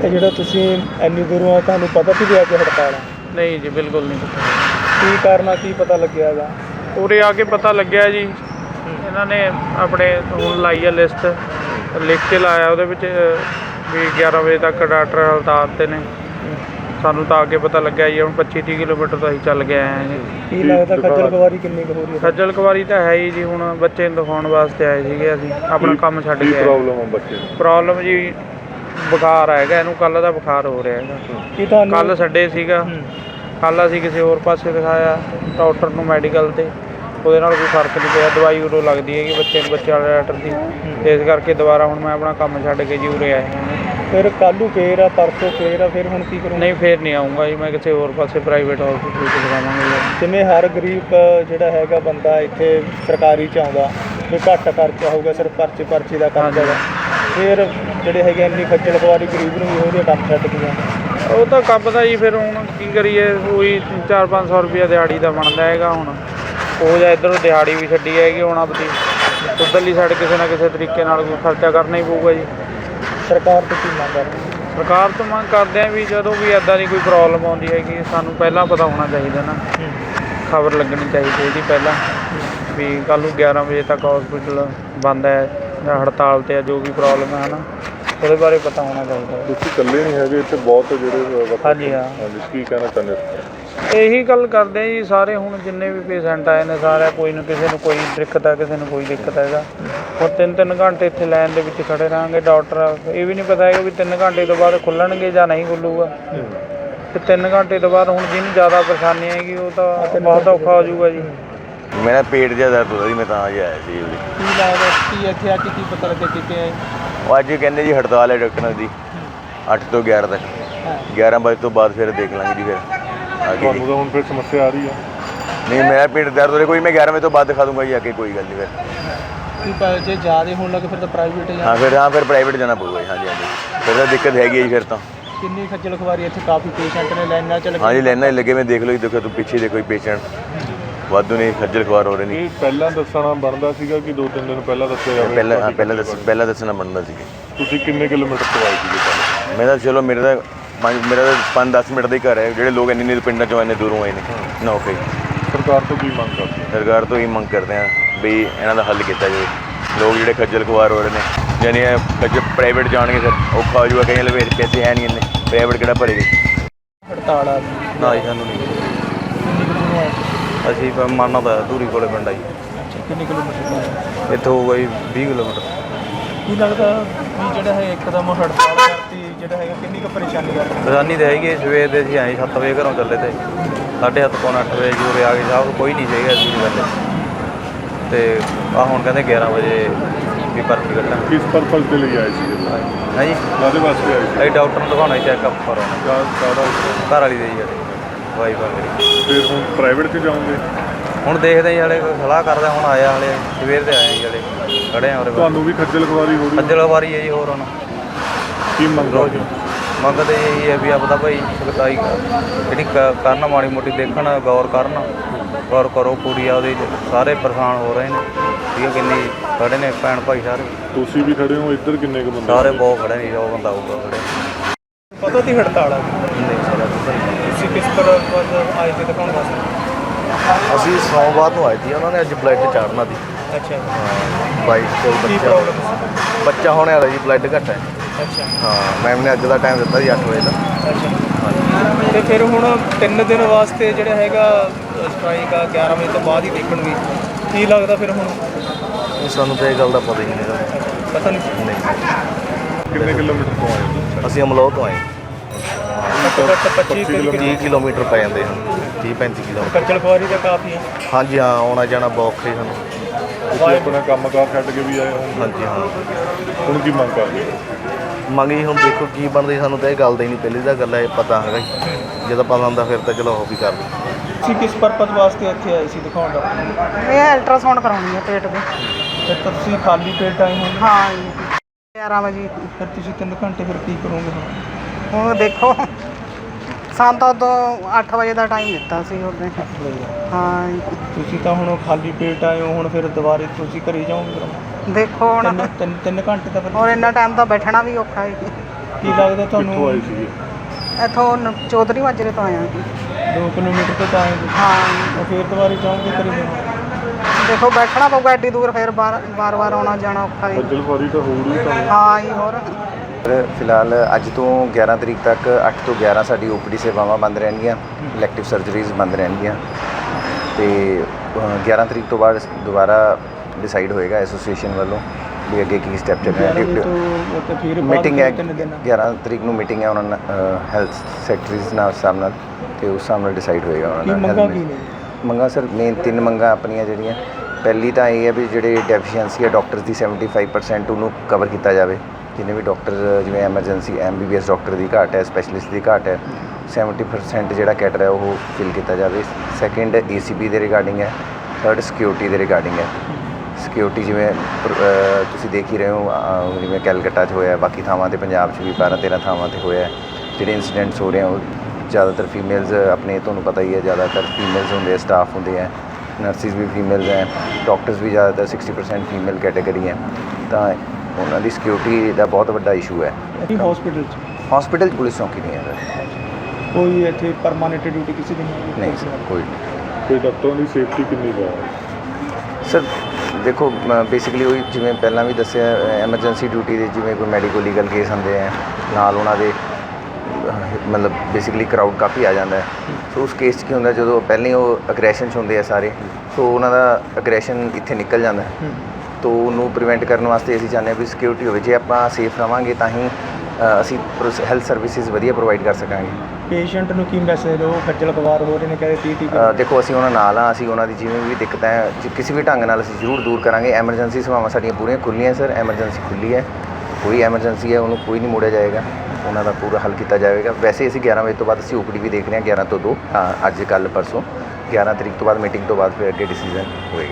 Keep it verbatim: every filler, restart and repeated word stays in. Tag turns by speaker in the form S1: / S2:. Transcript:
S1: ਇਹ ਜਿਹੜਾ ਤੁਸੀਂ ਇੰਨੀ ਦੂਰੋਂ ਆ, ਤੁਹਾਨੂੰ ਪਤਾ ਸੀ ਵੀ ਅੱਜ ਹੜਤਾਲ ਆ?
S2: ਨਹੀਂ ਜੀ, ਬਿਲਕੁਲ ਨਹੀਂ ਪਤਾ।
S1: ਕੀ ਕਾਰਨ ਆ, ਕੀ ਪਤਾ ਲੱਗਿਆ ਹੈਗਾ?
S2: ਉਰੇ ਆ ਕੇ ਪਤਾ ਲੱਗਿਆ ਜੀ, ਇਹਨਾਂ ਨੇ ਆਪਣੇ ਹੁਣ ਲਾਈ ਆ ਲਿਸਟ, ਲਿਖ ਕੇ ਲਾਇਆ ਉਹਦੇ ਵਿੱਚ ਵੀ ਗਿਆਰਾਂ ਵਜੇ ਤੱਕ ਡਾਕਟਰ ਹੜਤਾਲ 'ਤੇ ਨੇ। ਸਾਨੂੰ ਤਾਂ ਅੱਗੇ ਪਤਾ ਲੱਗਿਆ ਜੀ, ਹੁਣ ਪੱਚੀ ਤੀਹ ਕਿਲੋਮੀਟਰ ਤੋਂ ਅਸੀਂ ਚੱਲ ਕੇ ਆਏ ਹਾਂ ਜੀ।
S1: ਕੀ ਲੱਗਦਾ ਖੱਜਲ ਖਵਾਰੀ ਕਿੰਨੀ ਕੁ ਹੋ ਰਹੀ ਹੈ?
S2: ਖੱਜਲ ਖਵਾਰੀ ਤਾਂ ਹੈ ਹੀ ਜੀ। ਹੁਣ ਬੱਚੇ ਨੂੰ ਦਿਖਾਉਣ ਵਾਸਤੇ ਆਏ ਸੀਗੇ ਅਸੀਂ, ਆਪਣਾ ਕੰਮ ਛੱਡ ਕੇ ਆਏ।
S3: ਪ੍ਰੋਬਲਮ ਆ ਬੱਚੇ ਨੂੰ?
S2: ਪ੍ਰੋਬਲਮ ਜੀ ਬੁਖਾਰ ਹੈਗਾ ਇਹਨੂੰ, ਕੱਲ੍ਹ ਦਾ ਬੁਖਾਰ ਹੋ ਰਿਹਾ ਹੈਗਾ।
S1: ਕੀ ਤੁਹਾਨੂੰ
S2: ਕੱਲ੍ਹ ਸੰਡੇ ਸੀਗਾ, ਕੱਲ੍ਹ ਅਸੀਂ ਕਿਸੇ ਹੋਰ ਪਾਸੇ ਦਿਖਾਇਆ ਡਾਕਟਰ ਨੂੰ ਮੈਡੀਕਲ 'ਤੇ, ਉਹਦੇ ਨਾਲ ਕੋਈ ਫਰਕ ਨਹੀਂ ਪਿਆ। ਦਵਾਈ ਉਦੋਂ ਲੱਗਦੀ ਹੈਗੀ ਬੱਚੇ ਨੂੰ, ਬੱਚੇ ਵਾਲੇ ਡਾਕਟਰ ਦੀ। ਇਸ ਕਰਕੇ ਦੁਬਾਰਾ ਹੁਣ ਮੈਂ ਆਪਣਾ ਕੰਮ ਛੱਡ ਕੇ ਜੀ ਉਰੇ ਆਇਆ।
S1: ਫਿਰ ਕੱਲ੍ਹ ਨੂੰ ਫੇਰ ਆ, ਪਰਸੋਂ ਫੇਰ ਆ, ਫਿਰ ਹੁਣ ਕੀ ਕਰੂੰ?
S2: ਨਹੀਂ, ਫੇਰ ਨਹੀਂ ਆਊਂਗਾ ਜੀ ਮੈਂ, ਕਿਸੇ ਹੋਰ ਪਾਸੇ ਪ੍ਰਾਈਵੇਟ ਹੌਸਪੀਟਲ 'ਚ ਦਿਖਾਵਾਂਗਾ।
S1: ਜਿਵੇਂ ਹਰ ਗਰੀਬ ਜਿਹੜਾ ਹੈਗਾ ਬੰਦਾ ਇੱਥੇ ਸਰਕਾਰੀ 'ਚ ਆਉਂਦਾ ਵੀ ਘੱਟ ਖਰਚਾ ਹੋਊਗਾ, ਸਿਰਫ ਪਰਚੀ ਪਰਚੀ ਦਾ ਖਰਚਾ ਹੈਗਾ, ਫਿਰ ਜਿਹੜੇ ਹੈਗੇ ਇੰਨੀ ਖੱਜਲ ਖਵਾਰੀ ਗਰੀਬ ਨੂੰ ਵੀ ਉਹਦੇ ਕੰਮ ਛੱਡ ਕੇ ਜਾਣਾ।
S2: ਉਹ ਤਾਂ ਕੰਮ ਦਾ ਜੀ, ਫਿਰ ਹੁਣ ਕੀ ਕਰੀਏ, ਉਹੀ ਚਾਰ ਪੰਜ ਸੌ ਰੁਪਇਆ ਦਿਹਾੜੀ ਦਾ ਬਣਦਾ ਹੈਗਾ। ਹੁਣ ਉਹ ਜਾਂ ਇੱਧਰੋਂ ਦਿਹਾੜੀ ਵੀ ਛੱਡੀ ਹੈਗੀ, ਹੁਣ ਆਪਣੀ ਉੱਧਰਲੀ ਸਾਈਡ ਕਿਸੇ ਨਾ ਕਿਸੇ ਤਰੀਕੇ ਨਾਲ ਕੋਈ ਖਰਚਾ ਕਰਨਾ ਹੀ ਪਊਗਾ ਜੀ।
S1: ਸਰਕਾਰ ਤੋਂ ਕੀ ਮੰਗ ਕਰਦੇ?
S2: ਸਰਕਾਰ ਤੋਂ ਮੰਗ ਕਰਦੇ ਹਾਂ ਵੀ ਜਦੋਂ ਵੀ ਇੱਦਾਂ ਦੀ ਕੋਈ ਪ੍ਰੋਬਲਮ ਆਉਂਦੀ ਹੈਗੀ, ਸਾਨੂੰ ਪਹਿਲਾਂ ਪਤਾ ਹੋਣਾ ਚਾਹੀਦਾ ਨਾ, ਖਬਰ ਲੱਗਣੀ ਚਾਹੀਦੀ ਇਹਦੀ ਪਹਿਲਾਂ, ਵੀ ਕੱਲ੍ਹ ਨੂੰ ਗਿਆਰਾਂ ਵਜੇ ਤੱਕ ਹੌਸਪੀਟਲ ਬੰਦ ਹੈ ਜਾਂ ਹੜਤਾਲ 'ਤੇ ਹੈ, ਜੋ ਵੀ ਪ੍ਰੋਬਲਮ ਹੈ ਨਾ, ਉਹਦੇ ਬਾਰੇ ਪਤਾ ਹੋਣਾ ਚਾਹੀਦਾ।
S3: ਤੁਸੀਂ ਇਕੱਲੇ ਨਹੀਂ ਹੈਗੇ ਇੱਥੇ, ਬਹੁਤ ਜਿਹੜੇ?
S2: ਹਾਂਜੀ ਹਾਂ।
S3: ਹਾਂਜੀ, ਕੀ ਕਹਿਣਾ ਚਾਹੁੰਦੇ ਹੋ?
S2: ਇਹੀ ਗੱਲ ਕਰਦੇ ਹਾਂ ਜੀ, ਸਾਰੇ ਹੁਣ ਜਿੰਨੇ ਵੀ ਪੇਸ਼ੈਂਟ ਆਏ ਨੇ, ਸਾਰੇ ਕੋਈ ਨਾ ਕਿਸੇ ਨੂੰ ਕੋਈ ਦਿੱਕਤ ਹੈ, ਕਿਸੇ ਨੂੰ ਕੋਈ ਦਿੱਕਤ ਹੈਗਾ। ਹੁਣ ਤਿੰਨ ਤਿੰਨ ਘੰਟੇ ਇੱਥੇ ਲਾਈਨ ਦੇ ਵਿੱਚ ਖੜ੍ਹੇ ਰਹਾਂਗੇ। ਡਾਕਟਰ ਇਹ ਵੀ ਨਹੀਂ ਪਤਾ ਹੈਗਾ ਵੀ ਤਿੰਨ ਘੰਟੇ ਤੋਂ ਬਾਅਦ ਖੁੱਲ੍ਹਣਗੇ ਜਾਂ ਨਹੀਂ ਖੁੱਲੂਗਾ। ਅਤੇ ਤਿੰਨ ਘੰਟੇ ਤੋਂ ਬਾਅਦ ਹੁਣ ਜਿਹਨੂੰ ਜ਼ਿਆਦਾ ਪਰੇਸ਼ਾਨੀ ਹੈਗੀ ਉਹ ਤਾਂ ਬਹੁਤ ਔਖਾ ਹੋ ਜਾਊਗਾ ਜੀ।
S4: ਮੇਰਾ ਪੇਟ ਜਿਹਾ ਦਰਦ ਹੋ ਰਿਹਾ ਜੀ, ਮੈਂ ਤਾਂ ਅੱਜ ਆਇਆ ਸੀ ਜੀ।
S1: ਕੀ ਲੱਗਦਾ ਕੀ ਇੱਥੇ ਆ ਕੇ ਕੀ ਪਤਾ ਲੱਗਿਆ ਕਿਤੇ ਆਏ?
S4: ਉਹ ਅੱਜ ਕਹਿੰਦੇ ਜੀ ਹੜਤਾਲ ਹੈ ਡਾਕਟਰਾਂ ਦੀ ਅੱਠ ਤੋਂ ਗਿਆਰਾਂ ਤੱਕ, ਗਿਆਰਾਂ ਵਜੇ ਤੋਂ ਬਾਅਦ ਫਿਰ ਦੇਖ ਲਾਂਗੇ ਜੀ। ਫਿਰ
S3: ਤੁਹਾਨੂੰ ਤਾਂ ਹੁਣ ਫਿਰ ਸਮੱਸਿਆ ਆ ਰਹੀ ਆ?
S4: ਨਹੀਂ, ਮੇਰਾ ਪੇਟ ਦਰਦ ਹੋ ਰਿਹਾ, ਕੋਈ ਮੈਂ ਗਿਆਰਾਂ ਵਜੇ ਤੋਂ ਬਾਅਦ ਦਿਖਾ ਦੂੰਗਾ ਜੀ ਆ ਕੇ, ਕੋਈ ਗੱਲ ਨਹੀਂ। ਫਿਰ
S1: ਜੇ ਜ਼ਿਆਦਾ ਹੋਣ ਲੱਗੇ ਫਿਰ ਤਾਂ ਪ੍ਰਾਈਵੇਟ
S4: ਹਾਂ, ਫਿਰ ਹਾਂ ਫਿਰ ਪ੍ਰਾਈਵੇਟ ਜਾਣਾ ਪਊਗਾ ਜੀ। ਹਾਂਜੀ ਹਾਂਜੀ, ਫਿਰ ਤਾਂ ਦਿੱਕਤ ਹੈਗੀ ਹੈ ਜੀ। ਫਿਰ ਤਾਂ
S1: ਕਿੰਨੀ ਖੱਜਲ ਖਵਾਰੀ ਇੱਥੇ, ਕਾਫੀ ਪੇਸ਼ੈਂਟ ਨੇ ਲਾਈਨਾਂ 'ਚ ਲੱਗੇ?
S4: ਹਾਂਜੀ, ਲਾਈਨਾਂ ਲੱਗੇ, ਮੈਂ ਦੇਖ ਲਓ ਜੀ, ਦੇਖੋ ਤੂੰ ਪਿੱਛੇ ਦੇਖੋ ਪੇਸ਼ੈਂਟ ਵਾਧੂ ਨੇ, ਖੱਜਲ ਖਵਾਰ ਹੋ ਰਹੇ ਨੇ।
S3: ਇਹ ਪਹਿਲਾਂ ਦੱਸਣਾ ਬਣਦਾ ਸੀਗਾ ਕਿ ਦੋ ਤਿੰਨ ਦਿਨ ਪਹਿਲਾਂ ਦੱਸਿਆ ਜਾਵੇ?
S4: ਪਹਿਲਾਂ ਹਾਂ, ਪਹਿਲਾਂ ਦੱਸ ਪਹਿਲਾਂ ਦੱਸਣਾ ਬਣਦਾ ਸੀ।
S3: ਤੁਸੀਂ ਕਿੰਨੇ ਕਿਲੋਮੀਟਰ ਤੋਂ ਆਏ ਸੀਗੇ ਪਹਿਲਾਂ?
S4: ਮੈਂ ਤਾਂ ਚਲੋ ਮੇਰੇ ਤਾਂ ਪੰਜ ਮੇਰਾ ਤਾਂ ਪੰਜ ਦਸ ਮਿੰਟ ਦਾ ਹੀ ਘਰ ਹੈ। ਜਿਹੜੇ ਲੋਕ ਇੰਨੇ ਇੰਨੇ ਪਿੰਡਾਂ 'ਚੋਂ ਇੰਨੇ ਦੂਰੋਂ ਆਏ ਨੇ ਨਾ, ਓਕੇ।
S3: ਸਰਕਾਰ ਤੋਂ ਕੀ ਮੰਗ ਕਰਦੇ?
S4: ਸਰਕਾਰ ਤੋਂ ਹੀ ਮੰਗ ਕਰਦੇ ਹਾਂ ਵੀ ਇਹਨਾਂ ਦਾ ਹੱਲ ਕੀਤਾ ਜਾਵੇ। ਲੋਕ ਜਿਹੜੇ ਖੱਜਲ ਖੁਆਰ ਹੋ ਰਹੇ ਨੇ, ਯਾਨੀ ਖੱਜਲ ਪ੍ਰਾਈਵੇਟ ਜਾਣਗੇ ਸਰ ਔਖਾ ਹੋ ਜਾਊਗਾ। ਕਈਆਂ ਲਵੇ ਪੈਸੇ ਹੈ ਨਹੀਂ ਇੰਨੇ, ਪ੍ਰਾਈਵੇਟ ਕਿਹੜਾ ਭਰੇਗੀ।
S1: ਹੜਤਾਲ ਆ
S2: ਨਾ ਜੀ, ਸਾਨੂੰ ਨਹੀਂ। ਅਸੀਂ ਮਾਨਾ ਦਾ ਧੂਰੀ ਕੋਲੇ ਪਿੰਡ ਆ ਜੀ।
S1: ਕਿੰਨੇ ਕਿਲੋਮੀਟਰ?
S2: ਇੱਥੋਂ ਹੋਊਗਾ ਜੀ ਵੀਹ ਕਿਲੋਮੀਟਰ।
S1: ਕੀ ਲੱਗਦਾ ਵੀ ਜਿਹੜਾ ਹੈ ਇੱਕਦਮ ਹੜਤਾਲ ਕਰਤੀ, ਜਿਹੜਾ ਹੈਗਾ ਕਿੰਨੀ ਕੁ ਪਰੇਸ਼ਾਨੀ ਕਰ ਰਹੀ?
S2: ਪਰੇਸ਼ਾਨੀ ਤਾਂ ਹੈਗੀ, ਸਵੇਰ ਦੇ ਅਸੀਂ ਆਏ ਸੱਤ ਵਜੇ ਘਰੋਂ ਚੱਲੇ ਤੇ ਸਾਢੇ ਸੱਤ ਪੌਣੇ ਅੱਠ ਵਜੇ ਜੂਰੇ ਆ ਗਏ। ਸਾਹਿਬ ਕੋਈ ਨਹੀਂ ਸੀਗਾ ਇਸ ਗੱਲ ਅਤੇ ਆਹ ਹੁਣ ਕਹਿੰਦੇ ਗਿਆਰਾਂ ਵਜੇ ਵੀ ਪਰਚੀ ਕੱਢਾਂ।
S3: ਕਿਸ ਪਰਪਸ ਦੇ ਲਈ ਆਏ ਸੀ?
S2: ਹੈ ਜੀ,
S3: ਕਾਹਦੇ ਵਾਸਤੇ ਆਏ ਸੀ?
S2: ਅਸੀਂ ਡਾਕਟਰ ਨੂੰ ਦਿਖਾਉਣਾ ਚੈੱਕਅਪ ਕਰਾਉਣਾ, ਘਰ ਵਾਲੀ ਦੇ ਜੀ ਵਾਈਫ ਆ ਮੇਰੀ।
S3: ਫਿਰ ਹੁਣ ਪ੍ਰਾਈਵੇਟ 'ਚ ਜਾਓਗੇ?
S2: ਹੁਣ ਦੇਖਦੇ ਜੀ, ਹਾਲੇ ਸਲਾਹ ਕਰਦਾ। ਹੁਣ ਆਇਆ ਹਾਲੇ ਸਵੇਰ ਦੇ ਆਏ ਜੀ, ਹਾਲੇ ਖੜ੍ਹੇ ਆ ਉਰੇ।
S3: ਤੁਹਾਨੂੰ ਵੀ ਖੱਜਲ ਖਵਾਰੀ ਹੋ ਰਹੀ?
S2: ਖੱਜਲ ਖਵਾਰੀ ਹੈ ਜੀ। ਹੋਰ ਹੁਣ
S3: ਕੀ ਮੰਗ
S2: ਰੋਜ਼ ਮੰਗਦੇ ਇਹੀ ਹੈ ਵੀ ਆਪਦਾ ਭਾਈ ਸਖਤਾਈ ਜਿਹੜੀ ਕ ਕਰਨ, ਮਾੜੀ ਮੋਟੀ ਦੇਖਣ, ਗੌਰ ਕਰਨ, ਗੌਰ ਕਰੋ ਪੂਰੀ। ਉਹਦੇ ਸਾਰੇ ਪਰੇਸ਼ਾਨ ਹੋ ਰਹੇ ਨੇ, ਠੀਕ ਹੈ। ਕਿੰਨੀ ਖੜ੍ਹੇ ਨੇ ਭੈਣ ਭਾਈ ਸਾਰੇ।
S3: ਤੁਸੀਂ ਵੀ ਖੜੇ ਹੋ ਇੱਧਰ? ਕਿੰਨੇ ਕੁ ਬੰਦੇ?
S2: ਸਾਰੇ ਬਹੁਤ ਖੜ੍ਹੇ ਨੇ, ਸੌ ਬੰਦਾ ਹੋਊਗਾ ਖੜ੍ਹੇ।
S1: ਪਤਾ ਤੀ ਹੜਤਾਲ ਆ?
S2: ਨਹੀਂ ਸਰ,
S1: ਤੁਸੀਂ ਕਿਸ ਤਰ੍ਹਾਂ ਆਏ ਤੇ ਦਿਖਾਉਣ ਵਾਸਤੇ?
S4: ਅਸੀਂ ਸੋਮਵਾਰ ਨੂੰ ਆਏ ਸੀ, ਉਹਨਾਂ ਨੇ ਅੱਜ ਬਲੱਡ ਚਾੜਨਾ ਸੀ।
S1: ਅੱਛਾ,
S4: ਬਾਈ ਕੋਲ
S1: ਕੀ
S4: ਬੱਚਾ
S1: ਪ੍ਰੋਬਲਮ?
S4: ਬੱਚਾ ਹੋਣੇ ਵਾਲਾ ਜੀ, ਬਲੱਡ ਘੱਟ ਹੈ।
S1: ਅੱਛਾ
S4: ਹਾਂ, ਮੈਮ ਨੇ ਅੱਜ ਦਾ ਟਾਈਮ ਦਿੱਤਾ ਜੀ ਅੱਠ ਵਜੇ ਦਾ।
S1: ਅੱਛਾ, ਅਤੇ ਫਿਰ ਹੁਣ ਤਿੰਨ ਦਿਨ ਵਾਸਤੇ ਜਿਹੜਾ ਹੈਗਾ ਸਟ੍ਰਾਈਕ ਆ, ਗਿਆਰਾਂ ਵਜੇ ਤੋਂ ਬਾਅਦ ਹੀ ਦੇਖਣਗੇ। ਕੀ ਲੱਗਦਾ ਫਿਰ ਹੁਣ?
S4: ਇਹ ਸਾਨੂੰ ਤਾਂ ਇਹ ਗੱਲ ਦਾ ਪਤਾ ਹੀ ਨਹੀਂ ਹੈਗਾ।
S1: ਪਤਾ ਨਹੀਂ।
S4: ਨਹੀਂ।
S3: ਕਿੰਨੇ ਕਿਲੋਮੀਟਰ ਤੋਂ ਆਏ?
S4: ਅਸੀਂ ਅਮਲੋਹ ਤੋਂ ਆਏ।
S1: ਘੱਟੋ ਘੱਟ ਪੱਚੀ
S4: ਤੀਹ ਕਿਲੋਮੀਟਰ ਪੈ ਜਾਂਦੇ ਹਨ, ਤੀਹ ਪੈਂਤੀ ਕਿਲੋਮੀਟਰ।
S1: ਖੱਜਲ ਖੁਆਰੀ ਤਾਂ ਕਾਫੀ ਹੈ।
S4: ਹਾਂਜੀ ਹਾਂ, ਆਉਣਾ ਜਾਣਾ ਬਹੁਤ ਔਖਾ ਹੀ ਸਾਨੂੰ।
S3: ਤੁਸੀਂ ਆਪਣਾ ਕੰਮ ਕਾਰ ਛੱਡ ਕੇ ਵੀ ਆਏ ਹੋ?
S4: ਹਾਂਜੀ ਹਾਂ।
S3: ਹੁਣ ਕੀ ਮੰਗ ਕਰਦੇ?
S4: ਮੰਗੀ ਹੁਣ ਦੇਖੋ ਕੀ ਬਣਦੀ, ਸਾਨੂੰ ਤਾਂ ਇਹ ਗੱਲ ਦਾ ਹੀ ਨਹੀਂ। ਪਹਿਲੀ ਤਾਂ ਗੱਲ ਹੈ ਇਹ ਪਤਾ ਹੈਗਾ ਜੀ, ਜਦੋਂ ਪਤਾ ਹੁੰਦਾ ਫਿਰ ਤਾਂ ਚਲੋ ਉਹ ਵੀ ਕਰ ਲਓ।
S1: ਤੁਸੀਂ ਕਿਸ ਪਰਪਸ ਵਾਸਤੇ ਇੱਥੇ ਆਏ ਸੀ ਦਿਖਾਉਣ ਦਾ?
S5: ਇਹ ਅਲਟਰਾਸਾਊਂਡ ਕਰਾਉਣੀ ਹੈ ਪੇਟ ਦੀ।
S1: ਫਿਰ ਤਾਂ ਤੁਸੀਂ ਖਾਲੀ ਪੇਟ ਆਏ ਹੋ?
S5: ਹਾਂ ਜੀ, ਗਿਆਰਾਂ ਵਜੇ।
S1: ਫਿਰ ਤੁਸੀਂ ਤਿੰਨ ਘੰਟੇ ਫਿਰ ਕੀ ਕਰੋਗੇ?
S5: ਹੁਣ ਦੇਖੋ, ਸਾਨੂੰ ਤਾਂ ਉਦੋਂ ਅੱਠ ਵਜੇ ਦਾ ਟਾਈਮ ਦਿੱਤਾ ਸੀ ਉਹਨੇ।
S1: ਅੱਠ ਵਜੇ
S5: ਹਾਂ ਜੀ।
S1: ਤੁਸੀਂ ਤਾਂ ਹੁਣ ਖਾਲੀ ਪੇਟ ਆਏ ਹੋ, ਹੁਣ ਫਿਰ ਦੁਬਾਰੇ ਤੁਸੀਂ ਘਰੇ ਜਾਓਗੇ?
S5: ਦੇਖੋ ਹੁਣ
S1: ਤਿੰਨ ਤਿੰਨ ਤਿੰਨ ਘੰਟੇ ਤਾਂ ਫਿਰ
S5: ਔਰ ਇੰਨਾ ਟਾਈਮ ਤਾਂ ਬੈਠਣਾ ਵੀ ਔਖਾ ਹੈ।
S1: ਕੀ ਲੱਗਦਾ
S3: ਕਿੱਥੋਂ
S1: ਤੁਹਾਨੂੰ?
S3: ਆਏ ਸੀਗੇ?
S5: ਇੱਥੋਂ ਨ- ਚੌਧਰੀ ਮਾਜਰੇ ਤੋਂ ਆਇਆ ਜੀ।
S1: ਦੋ ਕਿਲੋਮੀਟਰ ਤੋਂ ਤਾਂ ਆਏ ਤੁਸੀਂ।
S5: ਹਾਂ
S1: ਉਹ ਫੇਰ ਦੁਬਾਰੇ ਚਾਹੋਗੇ ਕਰੀ
S5: ਦੇਖੋ ਬੈਠਣਾ ਪਊਗਾ ਐਡੀ ਦੂਰ, ਫਿਰ ਬਾਰ ਬਾਰ ਬਾਰ ਆਉਣਾ ਜਾਣਾ ਔਖਾ ਜੀ।
S3: ਖੱਜਲ ਖੁਆਰੀ ਤਾਂ ਹੋ ਰਹੀ ਤੁਹਾਨੂੰ?
S5: ਹਾਂ ਜੀ ਹੋਰ
S6: ਪਰ ਫਿਲਹਾਲ ਅੱਜ ਤੋਂ ਗਿਆਰਾਂ ਤਰੀਕ ਤੱਕ ਅੱਠ ਤੋਂ ਗਿਆਰਾਂ ਸਾਡੀ ਓਪੀਡੀ ਸੇਵਾਵਾਂ ਬੰਦ ਰਹਿਣਗੀਆਂ, ਇਲੈਕਟਿਵ ਸਰਜਰੀਜ਼ ਬੰਦ ਰਹਿਣਗੀਆਂ ਤੇ ਅ, ਗਿਆਰਾਂ ਤਰੀਕ ਤੋਂ ਬਾਅਦ ਦੁਬਾਰਾ ਡਿਸਾਈਡ ਹੋਏਗਾ ਐਸੋਸੀਏਸ਼ਨ ਵੱਲੋਂ ਵੀ ਅੱਗੇ ਕੀ ਸਟੈਪ ਚੱਲਣਾ ਹੈ।
S1: ਉੱਥੇ ਫਿਰ
S6: ਮੀਟਿੰਗ ਹੈ
S1: ਤਿੰਨ ਦਿਨ
S6: ਗਿਆਰਾਂ ਤਰੀਕ ਨੂੰ ਮੀਟਿੰਗ ਹੈ ਉਹਨਾਂ ਨਾਲ ਹੈਲਥ ਸੈਕਟਰੀਜ਼ ਨਾਲ ਹਿਸਾਬ ਨਾਲ ਤੇ ਉਸ ਹਿਸਾਬ ਨਾਲ ਡਿਸਾਈਡ ਹੋਏਗਾ
S1: ਕੀ
S6: ਉਹਨਾਂ ਨਾਲ।
S1: ਮੰਗਾਂ
S6: health
S1: ਕੀ ਨੇ?
S6: ਮੰਗਾਂ ਸਰ ਮੇਨ ਤਿੰਨ ਮੰਗਾਂ ਆਪਣੀਆਂ ਜਿਹੜੀਆਂ, ਪਹਿਲੀ ਤਾਂ ਇਹ ਹੈ ਵੀ ਜਿਹੜੇ ਡੈਫੀਸ਼ੀਐਂਸੀ ਹੈ ਡਾਕਟਰਸ ਦੀ ਸੈਵਨਟੀ ਫਾਈਵ ਪਰਸੈਂਟ ਉਹਨੂੰ ਕਵਰ ਕੀਤਾ ਜਾਵੇ। ਜਿੰਨੇ ਵੀ ਡਾਕਟਰ ਜਿਵੇਂ emergency M B B S doctor ਦੀ ਘਾਟ ਹੈ, ਸਪੈਸ਼ਲਿਸਟ ਦੀ ਘਾਟ ਹੈ, ਸੈਵਨਟੀ ਪਰਸੈਂਟ ਜਿਹੜਾ ਕੈਟਰ ਹੈ ਉਹ ਫਿਲ ਕੀਤਾ ਜਾਵੇ। ਸੈਕਿੰਡ ਏ ਸੀ ਬੀ ਦੇ ਰਿਗਾਰਡਿੰਗ ਹੈ। ਥਰਡ ਸਿਕਿਉਰਿਟੀ ਦੇ ਰਿਗਾਰਡਿੰਗ ਹੈ। ਸਿਕਿਉਰਿਟੀ ਜਿਵੇਂ ਪ੍ਰ- ਅ, ਤੁਸੀਂ ਦੇਖ ਹੀ ਰਹੇ ਹੋ ਅ, ਜਿਵੇਂ ਕੈਲਕੱਟਾ 'ਚ ਹੋਇਆ, ਬਾਕੀ ਥਾਵਾਂ 'ਤੇ ਪੰਜਾਬ 'ਚ ਵੀ ਬਾਰਾਂ ਤੇਰਾਂ ਥਾਵਾਂ 'ਤੇ ਹੋਇਆ। ਜਿਹੜੇ ਇੰਸੀਡੈਂਟਸ ਹੋ ਰਹੇ ਆ ਉਹ ਜ਼ਿਆਦਾਤਰ ਫੀਮੇਲਸ, ਆਪਣੇ ਤੁਹਾਨੂੰ ਪਤਾ ਹੀ ਹੈ ਜ਼ਿਆਦਾਤਰ ਫੀਮੇਲਸ ਹੁੰਦੇ ਆ, ਸਟਾਫ ਹੁੰਦੇ ਆ, ਨਰਸਿਸ ਵੀ ਫੀਮੇਲਸ ਹੈ, ਡਾਕਟਰਸ ਵੀ ਜ਼ਿਆਦਾਤਰ ਸਿਕਸਟੀ ਪਰਸੈਂਟ ਫੀਮੇਲ ਕੈਟਾਗਰੀ ਹੈ। ਤਾਂ ਉਹਨਾਂ ਦੀ ਸਿਕਿਉਰਿਟੀ ਦਾ ਬਹੁਤ ਵੱਡਾ ਇਸ਼ੂ ਹੈ।
S1: ਹਸਪੀਟਲ 'ਚ
S6: ਹਸਪੀਟਲ 'ਚ ਪੁਲਿਸ ਚੌਕੀ ਨਹੀਂ ਹੈ ਸਰ।
S1: ਕੋਈ ਇੱਥੇ ਪਰਮਾਨੈਂਟ ਡਿਊਟੀ ਕਿਸੇ ਦੀ ਨਹੀਂ?
S6: ਨਹੀਂ ਸਰ ਕੋਈ ਨਹੀਂ।
S3: ਤੇ ਡਾਕਟਰਾਂ ਦੀ ਸੇਫਟੀ ਕਿੰਨੀ ਕੁ ਹੈ?
S6: ਸਰ ਦੇਖੋ ਬੇਸਿਕਲੀ ਉਹੀ ਜਿਵੇਂ ਪਹਿਲਾਂ ਵੀ ਦੱਸਿਆ, ਐਮਰਜੈਂਸੀ ਡਿਊਟੀ ਦੇ ਜਿਵੇਂ ਕੋਈ ਮੈਡੀਕੋ ਲੀਗਲ ਕੇਸ ਹੁੰਦੇ ਆ ਨਾਲ ਉਹਨਾਂ ਦੇ ਅਹ, ਮਤਲਬ ਬੇਸਿਕਲੀ ਕਰਾਊਡ ਕਾਫੀ ਆ ਜਾਂਦਾ ਹੈ। ਸੋ ਉਸ ਕੇਸ 'ਚ ਕੀ ਹੁੰਦਾ, ਜਦੋਂ ਪਹਿਲਾਂ ਹੀ ਉਹ ਅਗਰੈਸ਼ਨ 'ਚ ਹੁੰਦੇ ਆ ਸਾਰੇ, ਸੋ ਉਹਨਾਂ ਦਾ ਅਗਰੈਸ਼ਨ ਇੱਥੇ ਨਿਕਲ ਜਾਂਦਾ ਹੈ। ਤੋ ਉਹਨੂੰ ਪ੍ਰੀਵੈਂਟ ਕਰਨ ਵਾਸਤੇ ਅਸੀਂ ਚਾਹੁੰਦੇ ਹਾਂ ਵੀ ਸਿਕਿਉਰਿਟੀ ਹੋਵੇ। ਜੇ ਆਪਾਂ ਸੇਫ ਰਵਾਂਗੇ ਤਾਂ ਹੀ ਅ, ਅਸੀਂ ਹੈਲਥ ਸਰਵਿਸਿਜ਼ ਵਧੀਆ ਪ੍ਰੋਵਾਈਡ ਕਰ ਸਕਾਂਗੇ।
S1: ਪੇਸ਼ੈਂਟ ਨੂੰ ਕੀ ਮੈਸੇਜ ਦਿਓ? ਖੱਜਲ ਖਵਾਰ ਹੋ ਰਹੇ ਨੇ, ਕਹਿੰਦੇ ਤੀਹ ਤੀਹ
S6: ਅ, ਦੇਖੋ ਅਸੀਂ ਉਹਨਾਂ ਨਾਲ ਆ, ਅਸੀਂ ਉਹਨਾਂ ਦੀ ਜਿਵੇਂ ਵੀ ਦਿੱਕਤਾਂ ਹੈ ਜੇ ਕਿਸੇ ਵੀ ਢੰਗ ਨਾਲ ਅਸੀਂ ਜ਼ਰੂਰ ਦੂਰ ਕਰਾਂਗੇ। ਐਮਰਜੈਂਸੀ ਸੇਵਾਵਾਂ ਸਾਡੀਆਂ ਪੂਰੀਆਂ ਖੁੱਲ੍ਹੀਆਂ ਸਰ, ਐਮਰਜੈਂਸੀ ਖੁੱਲ੍ਹੀ ਹੈ, ਕੋਈ ਐਮਰਜੈਂਸੀ ਹੈ ਉਹਨੂੰ ਕੋਈ ਨਹੀਂ ਮੋੜਿਆ ਜਾਏਗਾ, ਉਹਨਾਂ ਦਾ ਪੂਰਾ ਹੱਲ ਕੀਤਾ ਜਾਵੇਗਾ। ਵੈਸੇ ਅਸੀਂ ਗਿਆਰਾਂ ਵਜੇ ਤੋਂ ਬਾਅਦ ਅਸੀਂ ਓਪੀਡੀ ਵੀ ਦੇਖ ਰਹੇ ਹਾਂ, ਗਿਆਰਾਂ ਤੋਂ ਦੋ, ਹਾਂ ਅੱਜ ਕੱਲ੍ਹ ਪਰਸੋਂ ਗਿਆਰਾਂ ਤਰੀਕ ਤੋਂ ਬਾਅਦ ਮੀਟਿੰਗ ਤੋਂ ਬਾਅਦ ਫਿਰ ਅੱਗੇ ਡਿਸੀਜਨ ਹੋਏਗਾ।